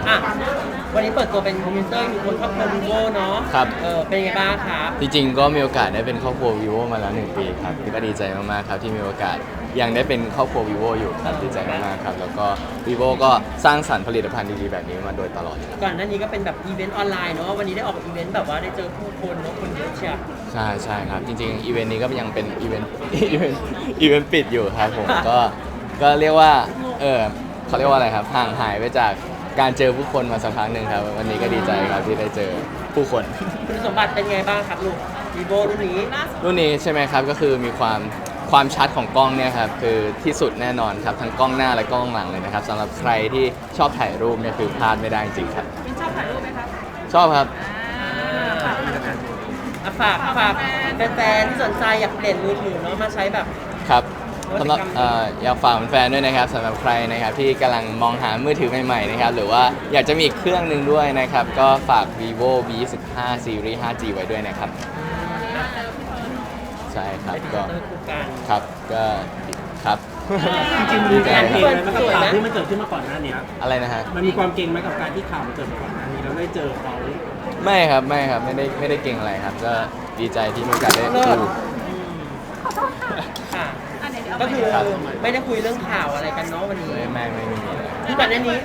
อ่ะวันนี้เปิดตัวเป็นพรีเซนเตอร์อยู่บนครอบครัว vivo เนาะครับเป็นยังไงบ้างครับจริงๆก็มีโอกาสได้เป็นครอบครัว vivo มาแล้ว1 ปีครับก็ดีใจมากๆครับที่มีโอกาสยังได้เป็นครอบครัว vivo อยู่ครับดีใจมากๆครับแล้วก็ vivo ก็สร้างสรรค์ผลิตภัณฑ์ดีๆแบบนี้มาโดยตลอดครับก่อนหน้านี้ก็เป็นแบบอีเวนต์ออนไลน์เนาะวันนี้ได้ออกอีเวนต์แบบว่าได้เจอผู้คนเนาะคนเยอะเชียวใช่ครับจริงๆอีเวนต์นี้ก็ยังเป็นอีเวนต์อีเวนต์ปิดอยู่ครับผมก็เรียกว่าเขาเรียกว่าอะไรครับห่างหายไปจากการเจอผู้คนมาสักพักหนึ่งครับวันนี้ก็ดีใจครับที่ได้เจอผู้คนคุณสมบัติเป็นไงบ้างครับลูก vivo รุ่นนี้ใช่ไหมครับก็คือมีความชัดของกล้องเนี่ยครับคือที่สุดแน่นอนครับทั้งกล้องหน้าและกล้องหลังเลยนะครับสำหรับใครที่ชอบถ่ายรูปเนี่ยคือพลาดไม่ได้จริงครับชอบถ่ายรูปไหมครับชอบครับฝากแฟนๆที่สนใจอยากเปลี่ยนมือถือเนาะมาใช้แบบครับสำหรับอยากฝากแฟนๆด้วยนะครับสำหรับใครนะครับที่กำลังมองหามือถือใหม่ๆนะครับหรือว่าอยากจะมีอีกเครื่องหนึ่งด้วยนะครับก็ฝาก vivo V15 Series 5G ไว้ด้วยนะครับใช่ครับก็ครับก็ครับจริงๆมีการเก่งไหมกับข่าวที่มันเกิดขึ้นมาก่อนหน้านี้อะไรนะฮะมันมีความเก่งไหมกับการที่ข่าวมันเกิดมาก่อนหน้านี้แล้วได้เจอเขาไม่ครับไม่ได้เก่งอะไรครับก็ดีใจที่มีโอกาสได้ดูค่ะก็คือไม่ได้คุยเรื่องข่าวอะไรกันเนาะวันนี้ไม่มีคือก่อนหน้านี้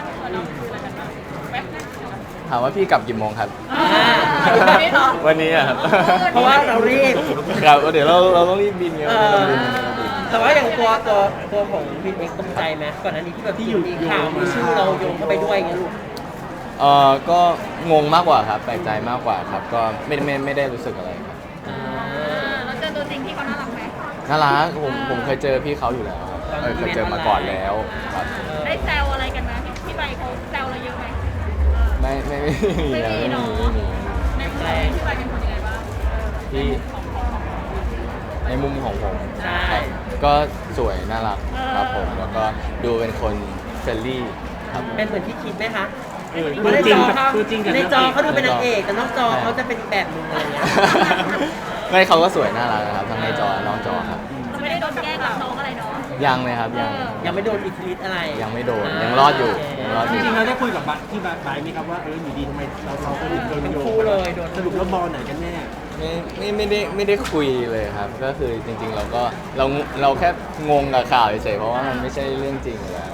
ถามว่าพี่กลับกี่โมงครับวันนี้ครับเพราะว่าเรารีบครับเดี๋ยวเราต้องรีบบินไงแต่ว่าอย่างตัวของบินเองตกใจไหมก่อนหน้านี้ที่แบบที่อยู่ข่าวมีชื่อเราโยงเข้าไปด้วยไงลูกก็งงมากกว่าครับแปลกใจมากกว่าครับก็ไม่ได้รู้สึกอะไรครับแล้วเจอตัวจริงที่เขาน่ารักไหมน่ารักผมเคยเจอพี่เขาอยู่แล้วครับเคยเจอมาก่อนแล้วครับได้แซวอะไรกันไหมพี่ใบเขาแซวเราเยอะไหมไม่มีเนาะในมุมพี่ใบเป็นคนยังไงบ้างที่ในมุมของผมใช่ก็สวยน่ารักครับผมแล้วก็ดูเป็นคนเฟรนลี่ครับเป็นเหมือนที่คิดไหมคะตัวจริงในจอเขาดูเป็นนางเอกแต่นอกจอเขาจะเป็นแบบนึงอะไรเงี้ยไม่เขาก็สวยน่ารักนะครับทั้งในจอนอกจอครับไม่ได้โดนแกล้งรับน้องอะไรเนาะยังเลยครับยังไม่โดนอิทธิฤทธิ์อะไรยังไม่โดนยังรอดอยู่จริงๆเราได้คุยกับที่บายไหมครับว่าอยู่ดีทำไมเราก็โดนโยงสรุปแล้วบอลไหนกันแน่ไม่ได้คุยเลยครับก็คือจริงๆเราแค่งงกับข่าวเฉยๆเพราะว่ามันไม่ใช่เรื่องจริงแล้ว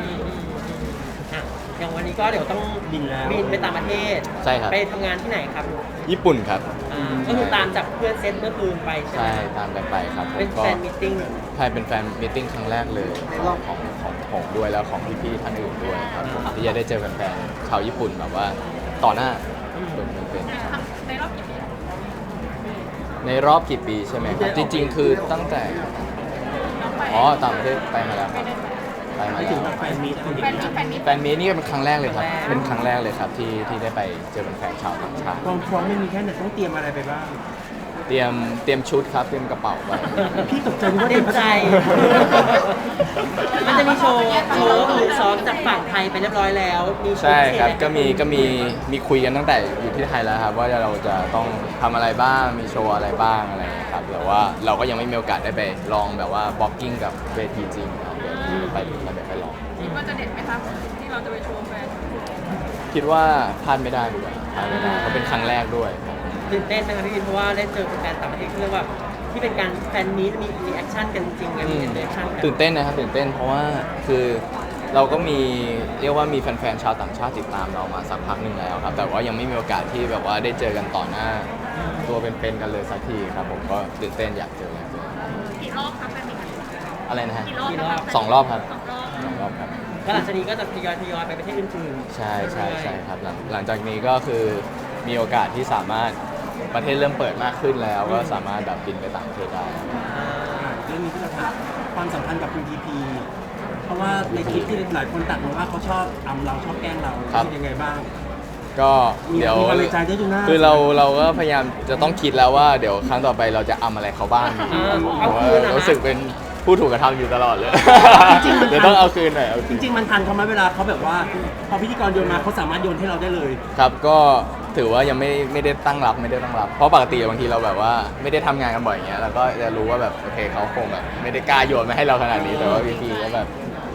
อย่างวันนี้ก็เดี๋ยวต้องบินไปต่างประเทศใช่ครับไปทำงานที่ไหนครับญี่ปุ่นครับก็คือตามจากเพื่อนเซตเมื่อคืนไปใช่ไหมใช่ตามกันไปครับเป็นแฟนมิทติ้งใช่เป็นแฟนมิทติ้งครั้งแรกเลยของผมด้วยแล้วของพี่ๆท่านอื่นด้วยครับผมที่จะได้เจอแฟนๆชาวญี่ปุ่นแบบว่าต่อหน้าเป็นในรอบกี่ปีใช่ไหมครับจริงๆคือตั้งแต่ต่างประเทศไปมาแล้วครับไปถึงแฟนมีนี่ก็เป็นครั้งแรกเลยครับเป็นครั้งแรกเลยครับที่ได้ไปเจอแฟนชาวต่างชาติความพร้อมไม่มีแค่ไหนต้องเตรียมอะไรไปบ้างเตรียมชุดครับเตรียมกระเป๋าไปพี่ตกใจว่าเตรียมใจมันจะมีโชว์หรือซ้อมจากฝั่งไทยไปเรียบร้อยแล้วมีใช่ครับก็มีคุยกันตั้งแต่อยู่ที่ไทยแล้วครับว่าเราจะต้องทำอะไรบ้างมีโชว์อะไรบ้างอะไรครับแต่ว่าเราก็ยังไม่มีโอกาสได้ไปลองแบบว่าบล็อกกิ้งกับเวทีจริงครับเดี๋ยวไปถึงแล้วเดี๋ยวไปลองคิดว่าจะเด็ดไหมครับที่เราจะไปโชว์แฟนคิดว่าพลาดไม่ได้ดีกว่าพลาดไม่ได้เพราะเป็นครั้งแรกด้วยตื่นเต้นนะครับพี่วินเพราะว่าได้เจอแฟนต่างประเทศเรียกว่าที่เป็นการแฟนมีมีแอคชั่นกันจริงกันมีแอคชั่นกันตื่นเต้นนะครับตื่นเต้นเพราะว่าคือเราก็มีเรียกว่ามีแฟนๆชาวต่างชาติติดตามเรามาสักพักหนึ่งแล้วครับแต่ว่ายังไม่มีโอกาสที่แบบว่าได้เจอกันต่อหน้าตัวเป็นๆกันเลยสักทีครับผมก็ตื่นเต้นอยากเจอกี่รอบครับแฟนมีอะไรนะฮะ 2 รอบครับ2 รอบครับแล้วหลังจากนี้ก็จะทยอยไปประเทศอื่นๆใช่ครับหลังจากนี้ก็คือมีโอกาสที่สามารถประเทศเริ่มเปิดมากขึ้นแล้วก็สามารถแบบบินไปต่างประเทศได้เรื่องนี้ที่เราถามความสัมพันธ์กับคุณพีพีเพราะว่าในคลิปที่หลายคนตัดมาว่าเขาชอบเราชอบแกล้งเราเป็นยังไงบ้างก็เดี๋ยวคือเราก็พยายามจะต้องคิดแล้วว่าเดี๋ยวครั้งต่อไปเราจะอะไรเขาบ้างเพราะว่ารู้สึกเป็นผู้ถูกกระทำอยู่ตลอดเลยเดี๋ยวต้องเอาคืนหน่อยจริงๆมันทันเขาไหมเวลาเขาแบบว่าพอพิธีกรโยนมาเขาสามารถโยนให้เราได้เลยครับก็ถือว่ายังไม่ได้ตั้งรับเพราะปกติบางทีเราแบบว่าไม่ได้ทำงานกันบ่อยอย่างเงี้ยเราก็จะรู้ว่าแบบโอเคเขาคงแบบไม่ได้กล้าโยนมาให้เราขนาดนี้แต่ว่าพี่ก็แบบ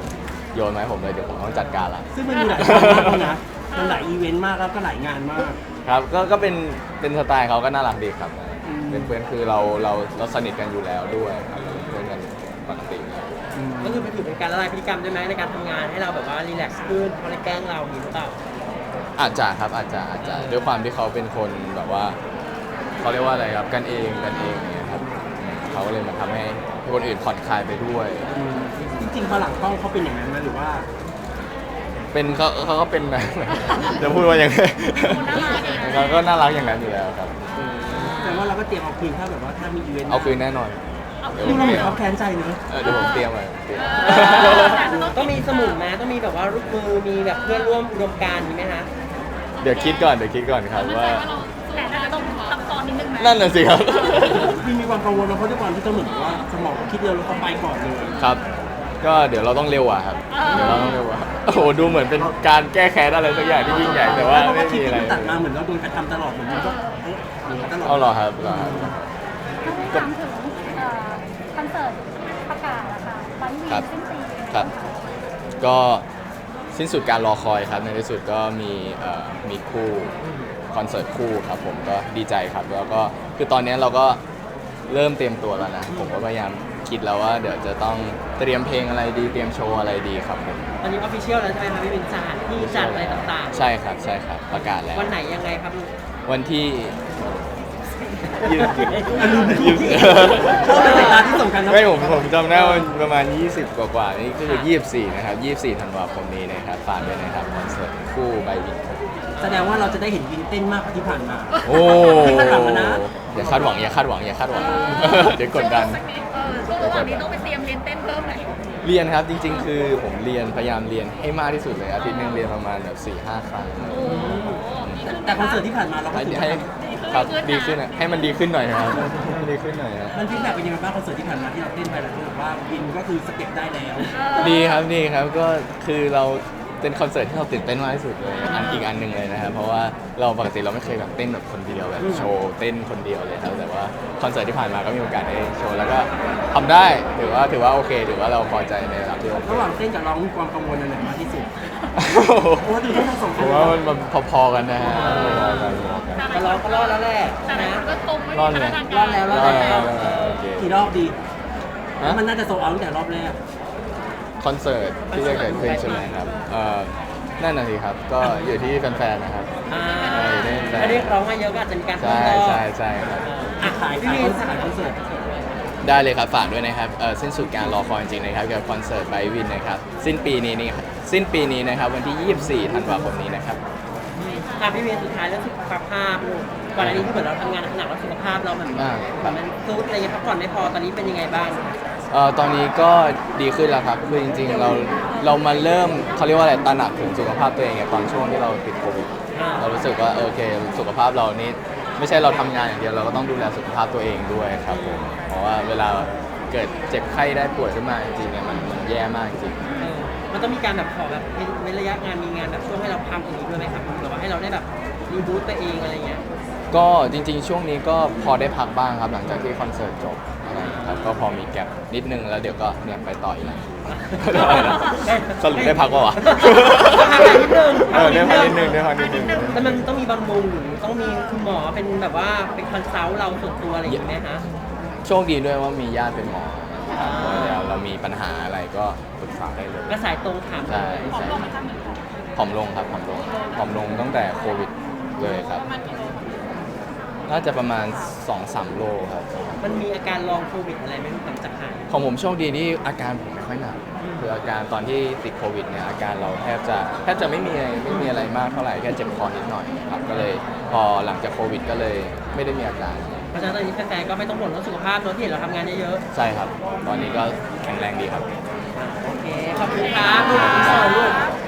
โยนมาให้ผมเลยเดี๋ยวผมต้องจัดการละซึ่งมันมีหลายงานมากแล้วนะมันหลายอีเวนต์มากแล้วก็หลายงานมากครับก็เป็นสไตล์เขาก็น่ารักดีครับอืมเป็นเพื่อนคือเราสนิทกันอยู่แล้วด้วยครับเป็นเพื่อนกันปกติก็คือไปถือเป็นการละลายพฤติกรรมด้วยไหมในการทำงานให้เราแบบว่ารีแลกซ์ขึ้นเขาเลยแกล้งเราอย่างนี้หรือเปล่าอาจจะครับอาจจะด้วยความที่เขาเป็นคนแบบว่าเขาเรียกว่าอะไรครับกันเองเนี่ยครับเขาก็เลยมาทำให้คนอื่นผ่อนคลายไปด้วยจริงๆพอหลังกล้องเขาเป็นอย่างนั้นไหมหรือว่าเป็นเขาก็เป็นแบบ จะพูดว่าอย่างไรเขาก็น่ารักอย่างนั้นอยู่แล้วครับแต่ว่าเราก็เตรียมเอาคืนถ้าแบบว่าถ้ามีอีเวนต์เอาคืนแน่นอนเดี๋ยวผนี่มเราเหเตมืรีอย นมเขาแค้นใจเนอะเดี๋ยวผมเตรียมไว้ต้องมีสมุนไหมต้องมีแบบว่ารูปมือมีแบบเพื่อนร่วมอุดมการณ์มีไหมฮะเดี๋ยวคิดก่อนครับว่าแต่น่าจะต้องซับซ้อนนิดนึงไหมนั่นน่ะสิครับพี่มีความกังวลนะเพราะด้วยความที่เขาเหมือนกับว่าสมองคิดเร็วแล้วเขาไปก่อนเลยครับ ก็เดี๋ยวเราต้องเร็วอะครับเดี๋ยวเราต้องเร็วอะโอ้โหดูเหมือนเป็นการแก้แค้นอะไรสักอย่างที่ยิ่งใหญ่แต่ว่าเพราะไม่ว่าคลิมีปอะไรที่ตัดมาเหมือนเราโดนกระทำตลอดเหมือนมันก็อย่างนั้นตลอดเอาเหรอครับเหรอครับถามถึงคอนเสิร์ตประกาศอะค่ะวันวีครับสิ้นปีครับ ก็สิ้นสุดการรอคอยครับในที่สุดก็มีคู่คอนเสิร์ตคู่ครับผมก็ดีใจครับแล้วก็คือตอนนี้เราก็เริ่มเตรียมตัวแล้วนะผมก็พยายามคิดแล้วว่าเดี๋ยวจะต้องเตรียมเพลงอะไรดีเตรียมโชว์อะไรดีครับผมตอนนี้ออฟฟิเชียลแล้วใช่ไหมครับพี่เป็นสถานที่จัดอะไรต่างใช่ครับประกาศแล้วๆ วันไหนยังไงครับลูกวันที่ยืดชอบเป็นสายตาที่ส่งกันนะไม่ผมจำได้ว่าประมาณ 20 กว่านี่ก็คือ24นะครับ24ธันวาคมนี้นะครับฝากด้วยนะครับคอนเสิร์ตคู่ใบวินแสดงว่าเราจะได้เห็นวินเต้นมากกว่าที่ผ่านมาโอ้พี่คาดหวังนะอย่าคาดหวังเดี๋ยวกดดันช่วงระหว่างนี้ต้องไปเตรียมเรียนเต้นเพิ่มไหมเรียนครับจริงๆ คือผมพยายามเรียนให้มากที่สุดเลยอาทิตย์หนึงเรียนประมาณแบบ4-5 ครั้งแต่คอนเสิร์ตที่ผ่านมาเราก็ให้ถือให้ว่าครับดีขึ้นอะให้มันดีขึ้นหน่อยนะครับให้มันดีขึ้นหน่อยนะมันฟีดแบ็กเป็นยังไงบ้างคอนเสิร์ตที่ผ่านมาที่เราเต้นไปแล้วรู้สึกว่าวินก็คือสเต็ปได้แล้วดีครับก็คือเราเป็นคอนเสิร์ตที่เราตื่นเต้นมากที่สุดเลยอีกอันหนึ่งเลยนะครับเพราะว่าเราปกติเราไม่เคยแบบเต้นแบบคนเดียวแบบโชว์เต้นคนเดียวเลยครับแต่ว่าคอนเสิร์ตที่ผ่านมาก็มีโอกาสได้โชว์แล้วก็ทำได้ถือว่าโอเคถือว่าเราพอใจในระดับที่โอเคระหว่างเต้นกับร้องมีความกังวลอันไหนมากที่สุดเพราะว่าดูทั้งสองคผนมว่ามันพอๆกันนะฮะพอๆกันก็รอดแล้วแหละแต่หลายนะคนก็ตรงไม่รอดมีไหมพัฒนาการรอดแล้วโอเคกี่รอบดีฮะมันน่าจะโซเอาตั้งแต่รอบแรกคอนเสิร์ตที่จะเกิดขึ้นใช่ไหมครับนั่นน่ะสิครับก็อยู่ที่แฟนๆนะครับอ่าได้ถ้าเรียกร้องมาเยอะก็อาจจะมีการเพิ่มใช่รอบใช่ครับอ่ะขายพี่ขายมีคอนเสิร์ตได้เลยครับฝากด้วยนะครับสิ้นสุดการรอคอยจริงๆนะครับกับคอนเสิร์ตไบวินนะครับสิ้นปีนี้นะครับวันที่ 24 ธันวาคมนี้นะครับอ่ะพี่มีสุดท้ายแล้วสุขภาพลูกก่อนอันนี้ที่เหมือนเราทำงานหนักแล้วสุขภาพเรามันซุดอะไรเงี้ยพักผ่อนไม่พอตอนนี้เป็นยังไงบ้างตอนนี้ก็ดีขึ้นแล้วครับคือจริงๆเรามาเริ่มเขาเรียกว่าอะไรตระหนักถึงสุขภาพตัวเองเนี่ยตอนช่วงที่เราติดโควิด เรารู้สึกว่าโอเคสุขภาพเรานี่ไม่ใช่เราทำงานอย่างเดียวเราก็ต้องดูแลสุขภาพตัวเองด้วยครับผมเพราะว่าเวลาเกิดเจ็บไข้ได้ป่วยขึ้นมาจริงๆเนี่ยมันแย่มากจริงมันต้องมีการแบบขอแบบเว้นระยะงานมีงานแบบช่วงให้เราพักอย่างนี้ด้วยไหมครับหรือว่าให้เราได้แบบรีบูตตัวเองอะไรเงี้ยก็จริงๆ ช่วงนี้ก็พอได้พักบ้างครับหลังจากที่คอนเสิร์ตจบอะไรอย่างเงี้ยครับก็พอมีแก็บนิดนึงแล้วเดี๋ยวก็เนี่ยไปต่ออีกแล้วสรุปได้พักปะวะ ได้พักนิดนึงแต่มันต้องมีบำรุงหรือต้องมีคุณหมอเป็นแบบว่าเป็นคอนซัลท์เราส่วนตัวอะไรอย่างเงี้ยฮะโชคดีด้วยว่ามีญาติเป็นหมอครับเดี๋ยวเรามีปัญหาอะไรก็ปรึกษาได้เลยก็สายตรงถามเลใช่ยใช่ผอมลงครับผอมลงตั้งแต่โควิดเลยครับ น่าจะประมาณ 2-3 โลครับมันมีอาการลองโควิดอะไรไหมหลังจากหายของผมโชคดีที่อาการผมไม่ค่อยหนักคืออาการตอนที่ติดโควิดเนี่ยอาการเราแทบจะไม่มีอะไรมากเท่าไหร่แค่เจ็บคอนิดหน่อยครับก็เลยพอหลังจากโควิดก็เลยไม่ได้มีอาการเพราะฉะนั้นตอนนี้แฟนๆก็ไม่ต้องบ่นเรื่องสุขภาพเนอะที่เห็นเราทำงานเยอะใช่ครับ ตอนนี้ก็แข็งแรงดีครับๆโอเคขอบคุณครับลูกขอบคุณลูก